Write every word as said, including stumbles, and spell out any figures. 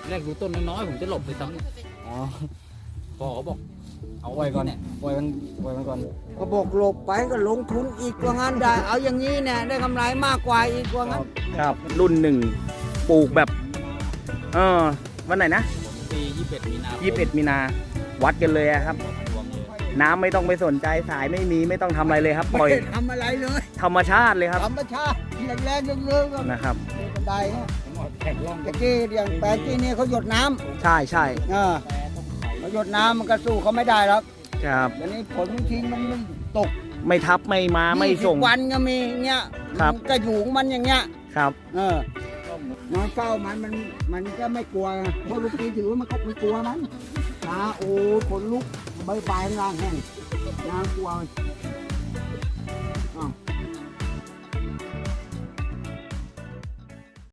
แรกดูต้นน้อยๆผมจะหลบไปซ้อ๋อำพอเขาบอกเอาปล่อยก่อนเนี่ยปล่อยมันปล่อยมันก่อนก็บอกหลบไปก็ลงทุนอีกว่างั้นได้ เอาอย่างนี้เนี่ยได้กำไรมากกว่าอีกว่างั้นครับ รุ่นหนึ่งปลูกแบบเออวันไหนนะปียี่สิบเอ็ดมีนายี่สิบเอ็ดมีนาวัดกันเลยอะครับรวมเลยน้ำไม่ต้องไปสนใจสายไม่มีไม่ต้องทำอะไรเลยครับ ปล่อยไม่ได้ทำอะไรเลยธรรมชาติเลยครับธรรมชาติแรงๆเรื่องๆก็นะครับบันไดฮะผมเอาแข่งร่องตะกี้อย่างแปลงที่นี่เขาหยดน้ำใช่ใช่เออเขาหยดน้ำมันก็สู้เขาไม่ได้หรอกครับเดี๋ยวนี้ผลทิ้งมันไม่ตกไม่ทับไม่มาไม่ส่งยี่สิบวันก็มีเงี้ยครับมันก็อยู่ของมันอย่างเงี้ยครับเออ นอนเฝ้ามันมันมันก็ไม่กลัวไงเพราะลูกปีถือว่ามันก็ไม่กลัวมันตาโอ้ขนลุกใบใบข้างล่างแห้งนางกลัวมันอ้าว